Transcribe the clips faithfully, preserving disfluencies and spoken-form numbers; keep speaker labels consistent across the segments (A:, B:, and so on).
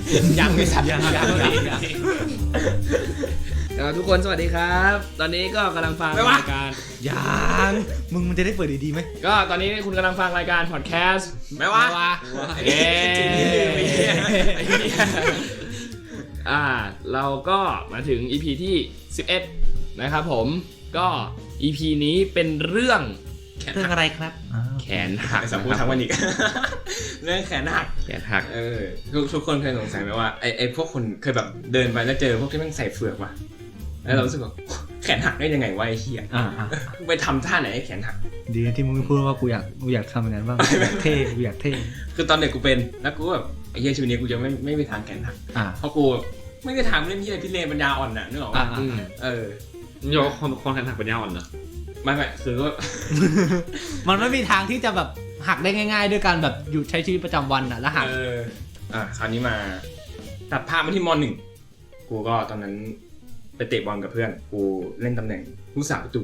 A: ยังไม่สัตว์ยังยัง
B: ยังทุกคนสวัสดีครับตอนนี้ก็กำลังฟังรายการ
C: ยังมึงมันจะได้เปิดดีๆไหม
B: ก็ตอนนี้คุณกำลังฟังรายการพอดแคสต์
A: ไม่ว่า
B: เอ๊อ่าเราก็มาถึง อี พี ที่สิบเอ็ดนะครับผมก็ อี พี นี้เป็นเรื่อง
C: เรื่องอะไรครับ
B: แขนหัก
A: สัมพูดทั้งวันอีกเรื่องแขนหัก
B: แขนหัก
A: เออทุกทุกคนเคยสงสัยไหมว่าไอไอพวกคนเคยแบบเดินไปแล้วเจอพวกที่มันใส่เฟือกวะแล้วเรารู้สึกว่าแขนหักได้ยังไงวะไอ้เหี้ยไปทำท่าไหนให้แขนหัก
C: ดีที่มึงพูดว่ากูอยากกูอยากทำอย่างนั้นบ้างอยากเท่กูอยากเท่
A: คือตอนเด็กกูเป็นแล้วกูแบบไอ้เหี้ยชีวิตนี้กูจะไม่ไม่ไปทางแขนหักเพราะกูไม่ได้ทำเรื่องที่อะไรพิเรนปัญญาอ่อนน่ะนึกออกป่ะเออ
B: โยคนคนแขนหักปัญญาอ่อนเหรอ
A: ไม่ไม่คือว่า
C: มันไม่มีทางที่จะแบบหักได้ง่ายๆด้วยการแบบอยู่ใช้ชีวิตประจำวันอ่ะแล้วหัก
A: เอออ่ะคราวนี้มาตัดภาพมาที่ม.หนึ่งกูก็ตอนนั้นไปเตะบอลกับเพื่อนกูเล่นตำแหน่งผู้สาประตู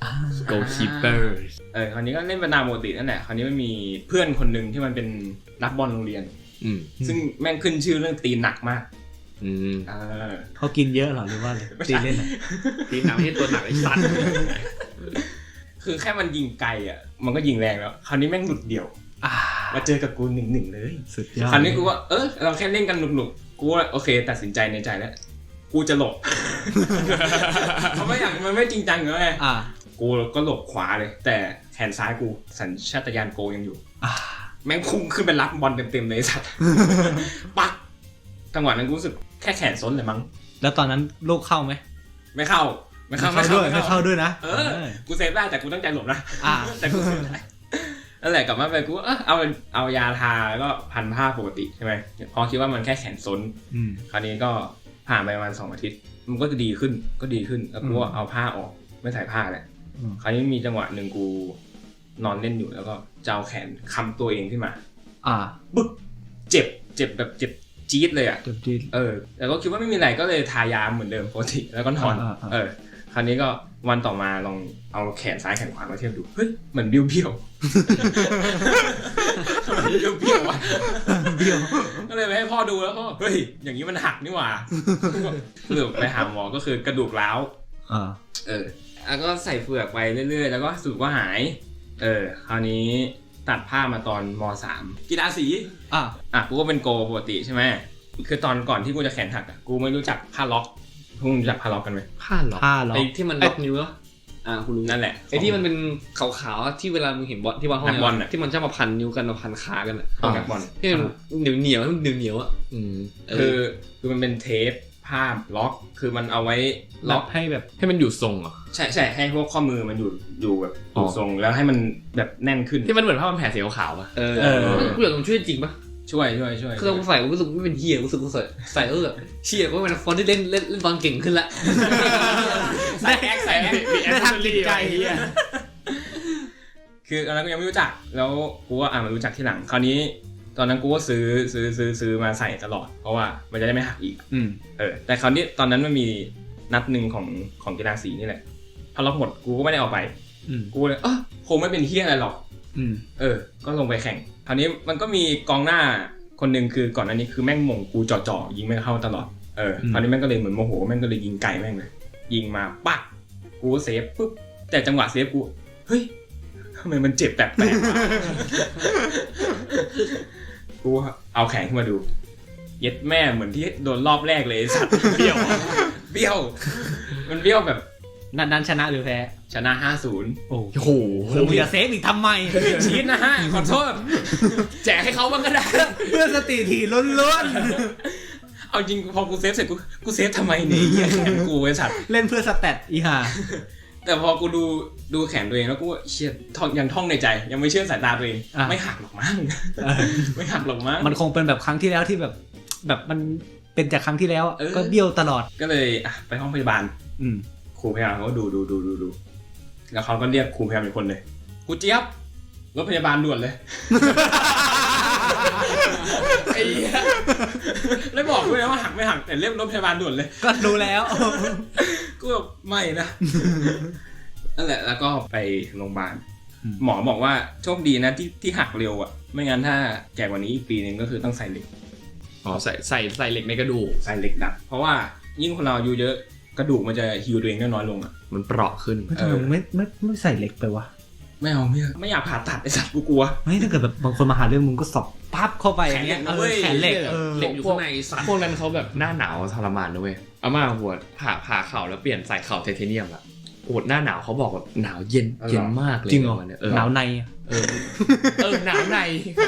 B: goalkeeper
A: เออคราวนี้ก็เล่นเป็นตามปกตินั่นแหละคราวนี้มันมีเพื่อนคนนึงที่มันเป็นนักบอลโรงเรียนซึ่งแม่งขึ้นชื่อเรื่องตีหนักมาก
B: อืม
A: เออ
C: เขากินเยอะเหรอหรือว่าอะไรตีเล่นอ่ะ
B: ตีหนักให้ตัวหนักไอ้สัตว์
A: คือแค่มันยิงไกลอ่ะมันก็ยิงแรงแล้วคราวนี้แม่งหลุดเดี่ยวมาเจอกับกูหนึ่งหนึ่งเลย
C: สุดยอด
A: คราวนี้กูว่าเออเราแค่เล่นกันหนุกๆกูว่าโอเคตัดสินใจในใจแล้วกูจะหลบเพราะไม่อย่างมันไม่จริงจังเลยอ่ะกูก็หลบขวาเลยแต่แขนซ้ายกูสัญชาตญาณโกยังอยู่แม่งพุ่งขึ้นไปรับบอลเต็มๆเลยสัตว์ปักจังหวะนั้นกูรู้สึกแค่แขนซ้นเลยมั้ง
C: แล้วตอนนั้นลูกเข้าไหม
A: ไม่เข้าไม่เข้า
C: ไม่เข้าด้วยไม่เข้าด้วยนะ
A: เออกูเซฟได้แต่กูตั้งใจหลบนะแต่กูเซฟได้นั่นแหละกลับมาไปกูเออเอาเอายาทาแล้วก็พันผ้าปกติใช่ไหมพอคิดว่ามันแค่แขนซ้นคราวนี้ก็ผ่านไปประมาณสองอาทิตย์มันก็จะดีขึ้นก็ดีขึ้นแล้วกูเอาผ้าออกไม่ใส่ผ้าแหละคราวนี้มีจังหวะหนึ่งกูนอนเล่นอยู่แล้วก็จะเอาแขนค้ำตัวเองขึ้นมา
C: อ่า
A: ปึ๊บเจ็บเจ็บแบบเจ็บจี๊ดเลยอ่ะ
C: เจ็บจี๊ด
A: เออแต่ก็คิดว่าไม่มีอะไรก็เลยทายาเหมือนเดิมปกติแล้วก็นอนเออคราวนี้ก็วันต่อมาลองเอาแขนซ้ายแขนขวามาเทียบดูเฮ้ยเหมือนเบี้ยวเบี้ยวเบี้ยวเบี้ยวเบี้ยวก็เลยไปให้พ่อดูแล้วพ่อเฮ้ยอย่างนี้มันหักนี่หว่าเลือกไปหาหมอก็คือกระดูกร้าว
C: อ่า
A: เออแล้วก็ใส่เฟือกไปเรื่อยๆแล้วก็สุดก็หายเออคราวนี้ตัดผ้ามาตอนม.สาม กีฬาสีอ่ะอ่ะกูก็เป็นโกปกติใช่ไหมคือตอนก่อนที่กูจะแขนหักอ่ะกูไม่รู้จักผ้าล็อกพวกมึงรู้จักผ้าล็อกกันไหม
B: ผ้าล็อกไอ้ที่มันล็อกนิ้วเหรออ่ากูรู้
A: นั่นแหละ
B: ไอ้ที่มันเป็นขาวๆที่เวลามึงเห็นบอลที่บอลห้องบอลที่มันชอบมาพันนิ้วกันมาพันขากันอ่ะ
A: นักบอล
B: ที่มันเหนียวเหนียวเหนียวเหนียวอ่ะ
A: คือคือมันเป็นเทปผ้าล็อกคือมันเอาไว้ล็อก
B: ให้แบบให้มันอยู่ทรงอ่ะ
A: ใช่ใช่ให้พวกข้อมือมันอยู่อยู่แบบอยู่ทรงแล้วให้มันแบบแน่นขึ้น
B: ที่มันเหมือนผ้าพันแผลสีขาวป่ะเออกูอยากลองช่วยจริงป่ะ
A: ช่วยช่วยช่วย
B: คือกูใส่กูรู้สึกไม่เป็นเฮียรู้สึกกูใส่ใส่เออเชี่ยก็เป็นฟอนที่เล่นเล่นเล่นบอลเก่งขึ้นละ
A: ใส่แอคใส่แอคได้ทำจิตใจเฮียคือตอนนั้นกูยังไม่รู้จักแล้วกูว่าอ่ะมารู้จักทีหลังคราวนี้ตอนนั้นกูก็ซื้อซื้อซื้อซื้อมาใส่ตลอดเพราะว่ามันจะได้ไม่หักอีก
C: อืม
A: เออแต่คราวนี้ตอนนั้นมันมีนัดหนึ่งของของกีฬาสีนี่แหละพอล็อกหมดกูก็ไม่ได้เอาไปกูเลยเออคงไม่เป็นเฮียอะไรหรอกเออก็ลงไปแข่งคราวนี้มันก็มีกองหน้าคนหนึ่งคือก่อนอันนี้คือแม่งมงกูจ่อๆยิงไม่เข้าตลอดเออคราวนี้แม่งก็เลยเหมือนโมโหแม่งก็เลยยิงไกลแม่งเลยยิงมาปักกูเซฟปุ๊บแต่จังหวะเซฟกูเฮ้ยทำไมมันเจ็บแปลกๆกูเอาแขนขึ้นมาดูเย็ดแม่เหมือนที่โดนรอบแรกเลยสัตว์เบี้ยวเบี้ยวมันเบี้ยวแบบ
C: นัดนั้นชนะหรือแพ้
A: ชนะ ห้าศูนย์
C: โอ้โหมึงจะเซฟอีกทำไม
A: ชีดนะฮะขอโทษแจกให้เขาบ้างก็ได้
C: เพื่อสติถี่ล้วน
A: ๆเอาจริงพอกูเซฟเสร็จกูกูเซฟทำไมเนี่ยเหี้ยแขนกูไอ้สัตว์
C: เล่นเพื่อสแตทอีห่า
A: แต่พอกูดูดูแขนตัวเองแล้วกูเชี่ยท่องยังท่องในใจยังไม่เชื่อสายตาตัวเองไม่หักหรอกมั้งไม่หักหรอกมั้ง
C: มันคงเป็นแบบครั้งที่แล้วที่แบบแบบมันเป็นจากครั้งที่แล้วก็เบี้ยวตลอด
A: ก็เลยอ่ะไปห้องพยาบาล
C: อืม
A: ครูพยาบาลเขาก็ดูดูดูดูดูแล้วเขาก็เรียกครูพยาบาลอีกคนเลยครูเจี๊ยบรถพยาบาลด่วนเลยไอ้เหี้ยแล้วบอกด้วยนะว่าหักไม่หักแต่เรียกรถพยาบาลด่วนเลย
C: ก็รู้แล้ว
A: กูแบบไม่นะนั่นแหละแล้วก็ไปโรงพยาบาลหมอบอกว่าโชคดีนะที่ที่หักเร็วอ่ะไม่งั้นถ้าแก่กว่านี้อีกปีนึงก็คือต้องใส่เหล็ก
B: อ๋อใส่ใส่ใส่เหล็กในกระดูก
A: ใส่เหล็กดัดเพราะว่ายิ่งคนเราอายุเยอะกระดูกมันจะฮีลตัวเองได้น้อยลงอ่ะ
B: มันเปราะขึ้น
C: ทำไมไม่ไม่ไม่ใส่เหล็กไปวะ
A: ไม่เอาไม่ไม่อยากผ่าตัดไอ้สัตว์กูกลัว
C: ไม่ถ้าเกิดแบบบางคนมาหาเรื่องมึงก็สอบปั๊บเข้าไปอย่างเงี้ยแขนเหล็ก
B: เหล็กอยู่ข้างในสัตว์พวกนั้นเขาแบบหน้าหนาวทรมานนะเว้ยอาม่าหัวผ่าผ่าเข่าแล้วเปลี่ยนใส่เข่าไทเทเนียมอะโอดหน้าหนาวเขาบอกว่าหนาวเย็นเย็นมากเลย
C: จริงเหรอหนาวใน
B: เออเออหนาวใน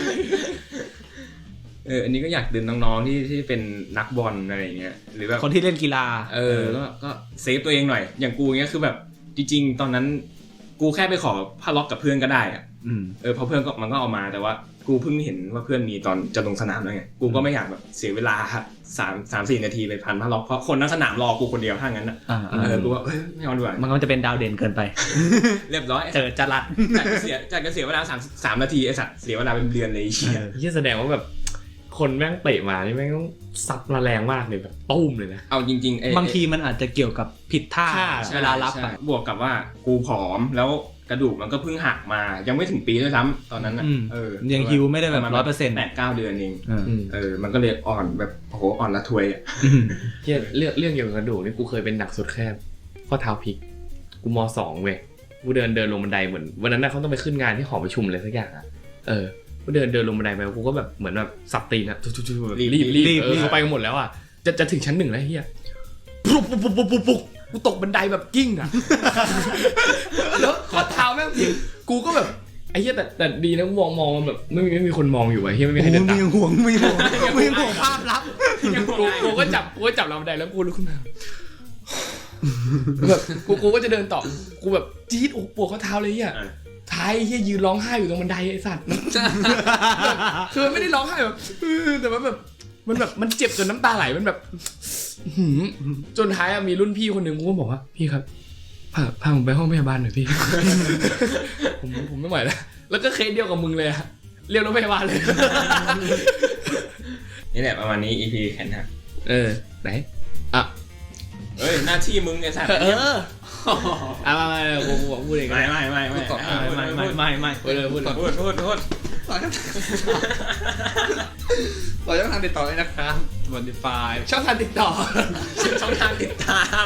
A: เอออันนี้ก็อยากดึงน้องๆที่ที่เป็นนักบอลอะไรอย่างเงี้ยหรือแบบ
C: คนที่เล่นกีฬา
A: เออก็ก็เซฟตัวเองหน่อยอย่างกูเงี้ยคือแบบจริงๆตอนนั้นกูแค่ไปขอผ้าล็อกกับเพื่อนก็ได้อ่ะเออพอเพื่อนก็มันก็เอามาแต่ว่ากูเพิ่งเห็นว่าเพื่อนมีตอนจะลงสนามแล้วไงกูก็ไม่อยากแบบเสียเวลาสามสามสี่นาทีไปพันผ้าล็อกเพราะคนทั้งสนามรอกูคนเดียวถ้างั้นนะเออกูว่าไม่เอาดีกว่า
C: มันก็จะเป็นดาวเด่นเกินไป
A: เรียบร้อย
C: เจอจรัด
A: จากเสียจากเสียเวลาสามสามนาทีไอ้สัตว์เสียเวลาเป็นเดือนเลยเชี่ย
B: ที่แสดงว่าแบบคนแม่งเตะมานี่แม่งต้องซัดมาแรงมากเลยแบบตุ้มเลยนะ
A: เอาจริง
C: ๆบางทีมันอาจจะเกี่ยวกับผิดท่าเวลารับอ่ะ
A: บวกกับว่ากูผอมแล้วกระดูกมันก็เพิ่งหักมายังไม่ถึงปีด้วยซ้ำตอนนั้นน่ะเออ
C: ยังฮิวไม่ได้แบบ ร้อยเปอร์เซ็นต์
A: แปด เก้าเดือนเองเออมันก็เลยอ่อนแบบโอ้โหอ่อนละทวยอ่ะ
B: เหี้ยเรื่องเรื่องเกี่ยวกับกระดูกนี่กูเคยเป็นหนักสุดแค่ข้อเท้าพลิกกูม.สอง เว้ยกูเดินเดินลงบันไดเหมือนวันนั้นน่ะเขาต้องไปขึ้นงานที่หอประชุมอะไรสักอย่างอ่ะเออกูเดินเดินลงบันไดไปกูก็แบบเหมือนแบบสับตีนอ่ะรีบรีบเออเขาไปกันหมดแล้วอ่ะจะจะถึงชั้นหนึ่งแล้วเฮียปุ๊บปุ๊บปุ๊บปุ๊บปุ๊บกูตกบันไดแบบกิ้งอ่ะแล้วข้อเท้าแม่งผิดกูก็แบบไอ้เหี้ยแต่แต่ดีนะมองมองแบบไม่มีไม่มีคนมองอยู่ไอ้เหี้ยไม่มีใครเดินตาม
C: ไม่ห่วงไม่ห่วงไม่ห่วงภาพลับ
B: กูกูก็จับกูก็จับเราบันไดแล้วกูลุกขึ้นมาแบบกูกูก็จะเดินต่อกูแบบจี๊ดโอ้ปวดข้อเท้าเลยอ่ะท้ายเหี้ยยืนร้องไห้อยู่ตรงบันไดไอ้สัตว์คือไม่ได้ร้องไห้แบบแต่ว่าแบบมันแบบมันเจ็บจนน้ำตาไหลมันแบบจนท้ายมีรุ่นพี่คนหนึ่งกูก็บอกว่าพี่ครับพาพาผมไปห้องพยาบาลหน่อยพี่ผมผมไม่ไหวแล้วแล้วก็เคสเดียวกับมึงเลยอะเรียกรถพยาบาลเลย
A: นี่แหละประมาณนี้ อี พี แขนหัก
B: เออไหนอ่ะ
A: เอ้ยหน้าที่มึงไอ้สัตว์
B: เอออ่ะมาๆกูพูดเอง
A: ไม่ไม่ไม่ไม่
C: ไม่ไม่ไม่ไม่
B: พูดเลยพูด
A: พูดพูดพูด
C: ต่อช่องทางติดต่อเลยนะครับ Spotify
B: ช่องทางติดต่อ
A: ช่องทางติดตาม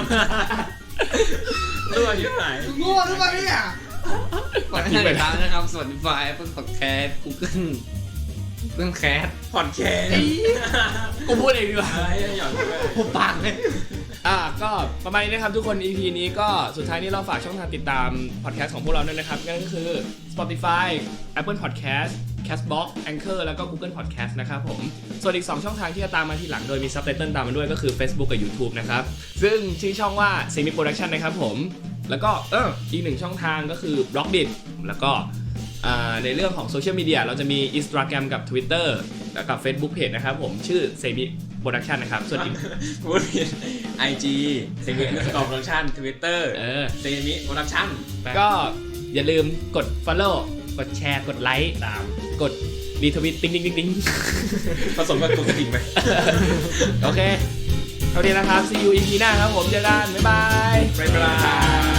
A: รั่วอยู่ไหน
C: ง่วงหรือเปล่าเนี่ยกดให้ติดตามนะครับ Spotify Apple Podcast Google Google Cast
A: Podcast
B: กูพูดเองดีกว่า
C: พูดปากเลย
B: อ่ะก็ประมาณนี้นะครับทุกคน อี พี นี้ก็สุดท้ายนี้เราฝากช่องทางติดตามพอดแคสต์ของพวกเราด้วยนะครับนั่นก็คือ Spotify Apple Podcast Castbox Anchor แล้วก็ Google Podcast นะครับผมส่วนอีกสองช่องทางที่จะตามมาทีหลังโดยมีซับไตเติลตามมาด้วยก็คือ Facebook กับ YouTube นะครับซึ่งชื่อช่องว่า Semi Production นะครับผมแล้วก็เอออีกหนึ่งช่องทางก็คือ Blockdit แล้วก็ในเรื่องของโซเชียลมีเดียเราจะมี Instagram กับ Twitter แล้วกับ Facebook Page นะครับผมชื่อ Semi Production นะครับส่วนอีก
A: พูดผิด ไอ จี Semi Production Twitter เออ Semi Production
B: ก็อย่าลืมกด follow กดแชร์กดไลค์ตามกดรีทวิตติ๊งติ๊งติ๊งติ๊ง
A: ผสมกับกดกระดิ่งไป
B: โอเคเท่านี้นะครับ see you อี พี หน้าครับผมเจอกันบ๊ายบาย
A: บ๊ายบาย